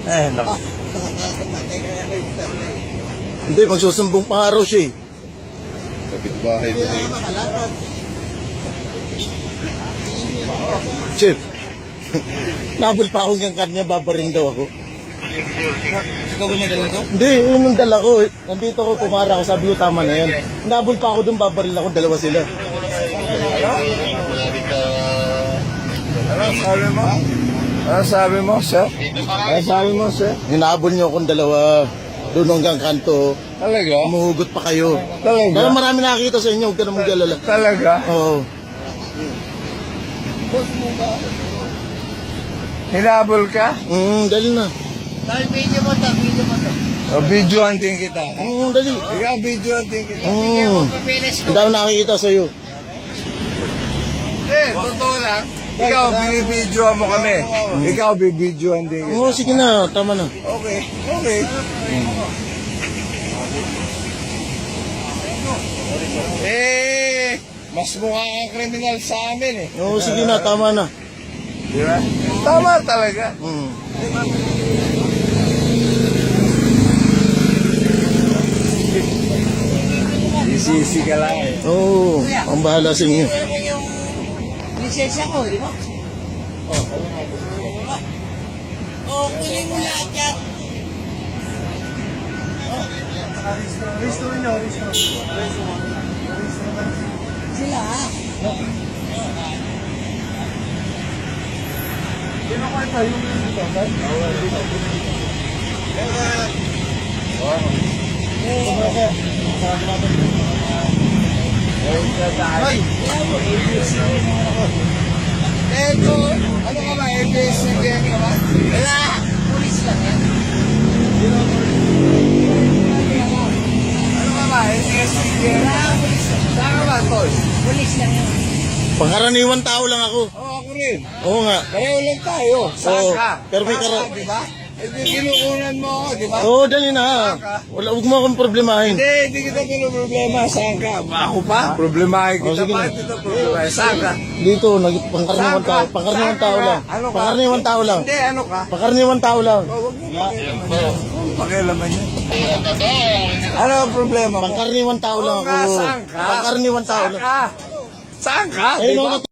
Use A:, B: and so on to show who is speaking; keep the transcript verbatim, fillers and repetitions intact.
A: Eh, naku.
B: Hindi, magsusumbong pa nga raw siya eh.
A: Kapit-bahay mo na yun.
B: Chef, nabol pa akong yung kanya, babaring daw ako.
A: Ikaw ba niya dala ko?
B: Hindi, yun yung dala ko. eh. Nandito ko, pumara ako, sabi ko tama na yan. Nabol pa ako dun, babaril ako, dalawa sila.
A: Ano sabi mo? Ano sabi mo, sir? Ano sabi mo, sir?
B: Hinabol niyo akong dalawa. Doon hanggang kanto.
A: Talaga?
B: Umuhugot pa kayo.
A: Talaga?
B: Kaya marami nakakita sa inyo, huwag ka na mag-alala.
A: Talaga?
B: Oo.
A: Hinabol ka?
B: Mm, dali na.
C: Video mo to, video mo to.
A: O, video hunting kita.
B: Mm, dali.
A: Ikaw, video hunting kita.
B: Mm.
C: Papilis ko.
B: Ang dami nakakita sa'yo.
A: Eh, totoo lang. Ikaw, binibidyoan mo kami. Ikaw, bibidyoan din kita.
B: Oo, sige na, tama na.
A: Okay, okay. Eh, mas mukha kang kriminal sa amin eh.
B: Oo, sige na, tama na.
A: Di ba? Tama talaga.
B: Mm.
A: Isisi ka lang eh.
B: Oo, ang bahala sa inyo.
C: Yung lisensya ko, di ba? Oh, kunin mo lahat yan. Sila ha?
A: Eto, ano ka ba? A B S C B N ka ba?
C: Wala! Pulis lang yan.
A: Ano ka ba? A B S C B N? Saan ka ba, Tol?
C: Pulis lang yan.
B: Pangkaraniwan tao lang ako.
A: Oo, ako rin.
B: Oo nga.
A: Pareho lang tayo. Saan
B: Oo,
A: ka?
B: pero may
A: Saan
B: kara-
A: ka, di ba? Eh, di kinukunan mo ako, di ba?
B: Oo, dali na. Wala, huwag mo akong problemahin.
A: Hindi, hindi kita pinoproblema. Saan ka? Ako pa? Problemahin
B: Oh,
A: kita.
B: sige na.
A: Bakit ito problemahin? Saan ka?
B: Dito, nag pangkaraniwan
A: Saan ka?
B: tao, pangkaraniwan
A: Saan ka
B: tao
A: nga?
B: lang.
A: Ano ka?
B: Pangkaraniwan tao lang.
A: Hindi, ano ka?
B: Pangkaraniwan tao lang.
A: Oh, huwag mo pakialaman yan. Huwag pakialaman yan. Ano ang problema mo?
B: Pangkaraniwan tao lang
A: Oo nga,
B: ako.
A: saan ka?
B: Pangkaraniwan tao
A: Saan
B: lang.
A: ka? Saan ka?
B: Eh,
A: Di
B: no,
A: ba?